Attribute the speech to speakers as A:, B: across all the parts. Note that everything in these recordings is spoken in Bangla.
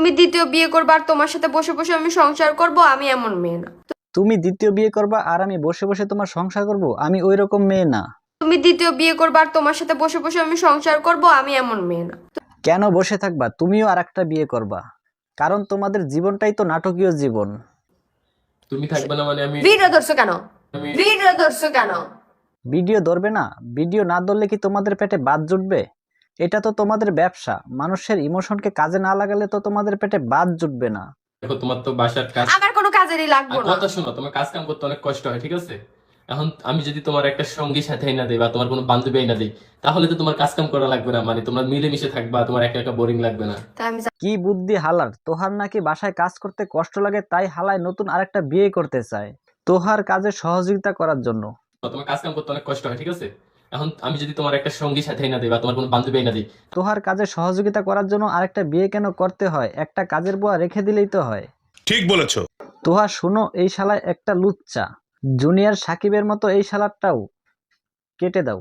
A: তুমি দ্বিতীয় বিয়ে করবে আর তোমার সাথে বসে বসে আমি সংসার করব, আমি এমন মেয়ে না।
B: তুমি দ্বিতীয় বিয়ে করবা আর আমি বসে বসে তোমার সংসার করব? আমি ওই রকম মেয়ে না।
A: তুমি দ্বিতীয় বিয়ে করবে আর তোমার সাথে বসে বসে আমি সংসার করব, আমি এমন মেয়ে না।
B: কেন বসে থাকবা? তুমিও আর একটা বিয়ে করবা, কারণ তোমাদের জীবনটাই তো নাটকীয় জীবন।
C: তুমি থাকবে না মানে আমি
A: ভিডিও ধরছো কেন? ভিডিও ধরছো কেন?
B: ভিডিও ধরবে না? ভিডিও না ধরলে কি তোমাদের পেটে ভাত জুটবে? এটা তো তোমাদের ব্যবসা। মানুষের ইমোশনকে কাজে না লাগালে তো তোমাদের পেটে ভাত জুটবে না।
C: দেখো তোমার তো বাসার কাজ
A: আমার কোনো কাজেরই লাগবো
C: আর
A: না।
C: কথা শোনো, তোমার কাজ কাম করতে অনেক কষ্ট হয়, ঠিক আছে? এখন আমি যদি তোমার একটা সঙ্গী সাথে না দেই বা তোমার কোনো বান্ধবী না দেই, তাহলে তো তোমার কাজ কাম করা লাগবে না, মানে তোমরা মিলেমিশে থাকবা, তোমার একা একা বোরিং লাগবে না।
A: তাই আমি
B: কি বুদ্ধি হালার! তোহার নাকি বাসায় কাজ করতে কষ্ট লাগে, তাই হালায় নতুন আরেকটা বিয়ে করতে চায় তোহার কাজে সহযোগিতা করার জন্য।
C: তোমার কাজ কাম করতে অনেক কষ্ট হয়, ঠিক আছে? এখন আমি যদি তোমার একটা সঙ্গী সাথে না দেই বা তোমার কোনো বান্ধবী না দেই,
B: তোহার কাজে সহযোগিতা করার জন্য আরেকটা বিয়ে কেন করতে হয়? একটা কাজের বুয়া রেখে দিলেই তো হয়।
D: ঠিক বলেছো।
B: তোহা শুনো, এই শালায় একটা লুচ্চা। জুনিয়র সাকিবের মতো এই শালারটাও কেটে দাও।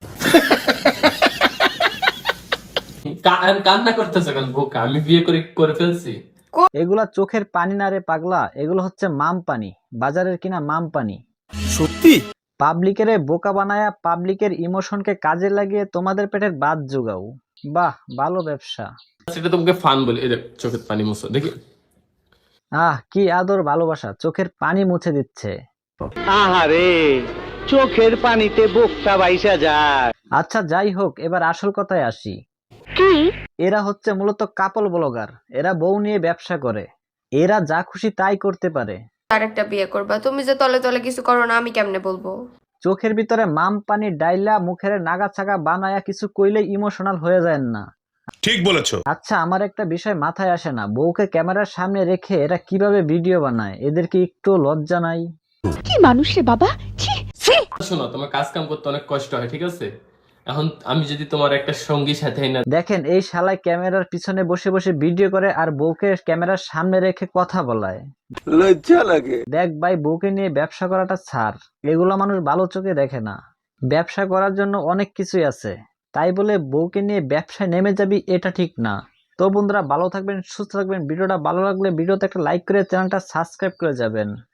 C: কান্না করতেছো কেন বোকা? আমি বিয়ে করে ফেলছি।
B: এগুলা চোখের পানি না রে পাগলা, এগুলো হচ্ছে মাম পানি, বাজারের কিনা মাম পানি।
D: সত্যি?
B: পাবলিকের বোকা বানায়া পাবলিকের ইমোশনকে কাজে লাগিয়ে তোমাদের পেটের ভাত জোগাও। বাহ, ভালো ব্যবসা।
C: সেটা তোমাকে ফান বলি। এই দেখ, চোখের পানি মুছো দেখি।
B: কি আদর ভালোবাসা, চোখের পানি মুছে দিচ্ছে।
E: আহারে, চোখের পানিতে বোকটা বাইসা যায়।
B: আচ্ছা যাই হোক, এবার আসল কথায় আসি। এরা হচ্ছে মূলত কাপল ব্লগার। এরা বউ নিয়ে ব্যবসা করে। এরা যা খুশি তাই করতে পারে।
A: আরেকটা বিয়ে করবা, তুমি যে তলে তলে কিছু করো না, আমি কেমনে বলবো?
B: চোখের ভিতরে মাম পানি ডাইলা মুখের নাগা ছাগা বানায়া কিছু কইলে ইমোশনাল হয়ে যায় না।
D: ঠিক বলেছো।
B: আচ্ছা, আমার একটা বিষয় মাথায় আসে না, বউকে ক্যামেরার সামনে রেখে এরা কিভাবে ভিডিও বানায়? এদের কি একটু লজ্জা নাই?
F: কি মানুষ রে বাবা, ছি ছি।
C: শোনো, তোমার কাজ কাম করতে অনেক কষ্ট হয়, ঠিক আছে? এখন আমি যদি তোমার একটা সঙ্গী সাথে না
B: দেখেন, এই শালায় ক্যামেরার পিছনে বসে বসে ভিডিও করে আর বউকে ক্যামেরার সামনে রেখে কথা বলায়।
E: লজ্জা লাগে।
B: দেখ ভাই, বউকে নিয়ে ব্যবসা করাটা ছাড়, এগুলো মানুষ ভালো চোখে দেখে না। ব্যবসা করার জন্য অনেক কিছুই আছে, তাই বলে বউকে নিয়ে ব্যবসায় নেমে যাবি এটা ঠিক না। তো বন্ধুরা, ভালো থাকবেন, সুস্থ থাকবেন। ভিডিওটা ভালো লাগলে ভিডিওতে একটা লাইক করে চ্যানেলটা সাবস্ক্রাইব করে যাবেন।